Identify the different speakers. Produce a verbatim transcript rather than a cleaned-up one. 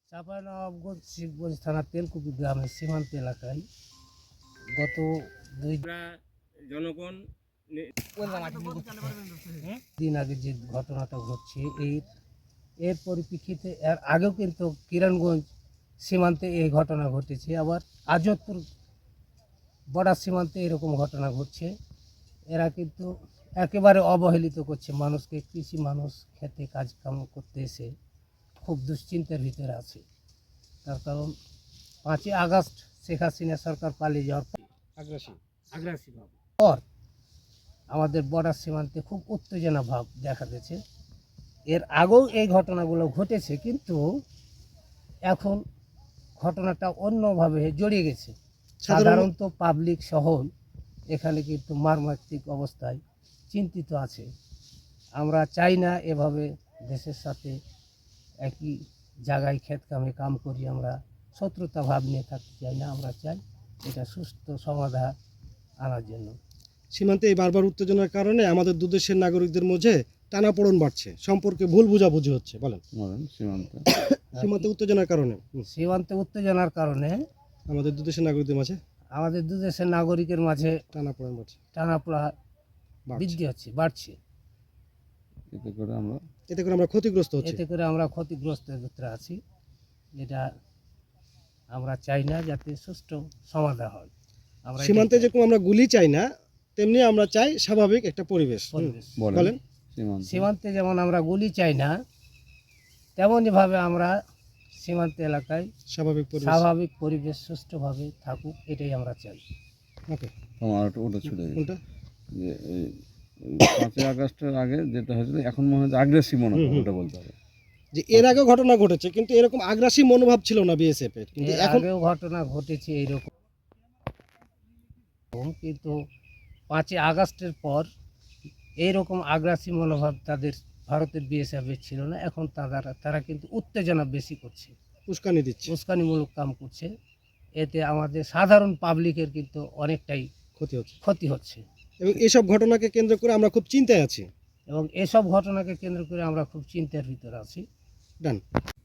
Speaker 1: চাঁপাইনবাবগঞ্জ শিবগঞ্জ থানার তেলকুপি গ্রামের সীমান্ত এলাকায় গত দুই
Speaker 2: জনগণ
Speaker 1: দিন আগে যে ঘটনাটা ঘটছে এই এর পরিপ্রেক্ষিতে এর আগেও কিন্তু কিরণগঞ্জ সীমান্তে এই ঘটনা ঘটেছে, আবার আজতপুর বর্ডার সীমান্তে এরকম ঘটনা ঘটছে। এরা কিন্তু একেবারে অবহেলিত করছে মানুষকে। কৃষি মানুষ খেতে কাজকাম করতে এসে খুব দুশ্চিন্তার ভিতরে আছে। তার কারণ পাঁচই আগস্ট শেখ হাসিনা সরকার পালিয়ে যাওয়ার পর
Speaker 2: আগ্রাসী
Speaker 1: আগ্রাসী ভাব পর আমাদের বর্ডার সীমান্তে খুব উত্তেজনা ভাব দেখা দিয়েছে। এর আগেও এই ঘটনাগুলো ঘটেছে, কিন্তু এখন ঘটনাটা অন্যভাবে জড়িয়ে গেছে। সাধারণত পাবলিক সহ এখানে কিন্তু মারমাত্রিক অবস্থায় চিন্তিত আছে। আমরা চাই না এভাবে দেশের সাথে একই জায়গায় ক্ষেত কামে কাম করি, আমরা শত্রুতা ভাব নিয়ে থাকতে চাই না। আমরা চাই এটা সুস্থ সমাধান আনার জন্য।
Speaker 3: সীমান্তে এই বারবার উত্তেজনার কারণে আমাদের দু দেশের নাগরিকদের মধ্যে টানাপোড়েন বাড়ছে, সম্পর্কে ভুল বোঝাবুঝি হচ্ছে। বলেন
Speaker 4: সীমান্তে
Speaker 3: সীমান্তে উত্তেজনার কারণে
Speaker 1: সীমান্তে উত্তেজনার কারণে
Speaker 3: আমাদের দু দেশের নাগরিকদের মাঝে
Speaker 1: আমাদের দু দেশের নাগরিকের মাঝে
Speaker 3: টানাপোড়েন বাড়ছে,
Speaker 1: টানাপোড়া
Speaker 3: বাড়ছে।
Speaker 1: বৃদ্ধি হচ্ছে, বাড়ছে।
Speaker 4: এতে করে আমরা
Speaker 3: এতে করে আমরা ক্ষতিগ্রস্ত হচ্ছি।
Speaker 1: এতে করে আমরা ক্ষতিগ্রস্তের ভিতরে আছি। এটা আমরা চাই না যাতে সুষ্ঠু সমাধান হয়। আমরা
Speaker 3: সীমান্তে
Speaker 1: এটাই চাই।
Speaker 3: যেরকম আমরা গুলি চাই না, তেমনি আমরা চাই স্বাভাবিক একটা পরিবেশ। হুম,
Speaker 1: পরিবেশ।
Speaker 3: বলেন
Speaker 4: সীমান্তে
Speaker 1: সীমান্তে যেমন আমরা গুলি চাই না, তেমনইভাবে আমরা সীমান্ত এলাকায়
Speaker 3: স্বাভাবিক পরিবেশ।
Speaker 1: স্বাভাবিক পরিবেশ সুষ্ঠুভাবে থাকুক, এটাই আমরা চাই।
Speaker 3: ওকে,
Speaker 4: তোমার একটা ওটা ছুটে গেছে
Speaker 3: কোনটা?
Speaker 4: যে এই এই পাঁচই আগস্টের আগে যেটা হয়েছিল এখন মনে হয় আগ্রেসিভ মনে হয়, ওটা বলতে হবে।
Speaker 3: যে এর আগেও ঘটনা ঘটেছে, কিন্তু এরকম আগ্রাসী মনোভাব ছিল না বিএসএফ এর, কিন্তু
Speaker 1: এর
Speaker 3: এখন
Speaker 1: আগেও ঘটনা ঘটেছে এইরকম, কিন্তু পাঁচই আগস্টের পর এইরকম আগ্রাসী মনোভাব তাদের ভারতের বিএসএফের ছিল না। এখন তারা তারা কিন্তু উত্তেজনা বেশি করছে,
Speaker 3: উস্কানি দিচ্ছে,
Speaker 1: উস্কানিমূলক কাম করছে। এতে আমাদের সাধারণ পাবলিকের কিন্তু অনেকটাই
Speaker 3: ক্ষতি হচ্ছে।
Speaker 1: ক্ষতি হচ্ছে,
Speaker 3: এবং এসব ঘটনাকে কেন্দ্র করে আমরা খুব চিন্তায় আছি।
Speaker 1: এবং এসব ঘটনাকে কেন্দ্র করে আমরা খুব চিন্তার ভিতরে আছি।
Speaker 3: ডান।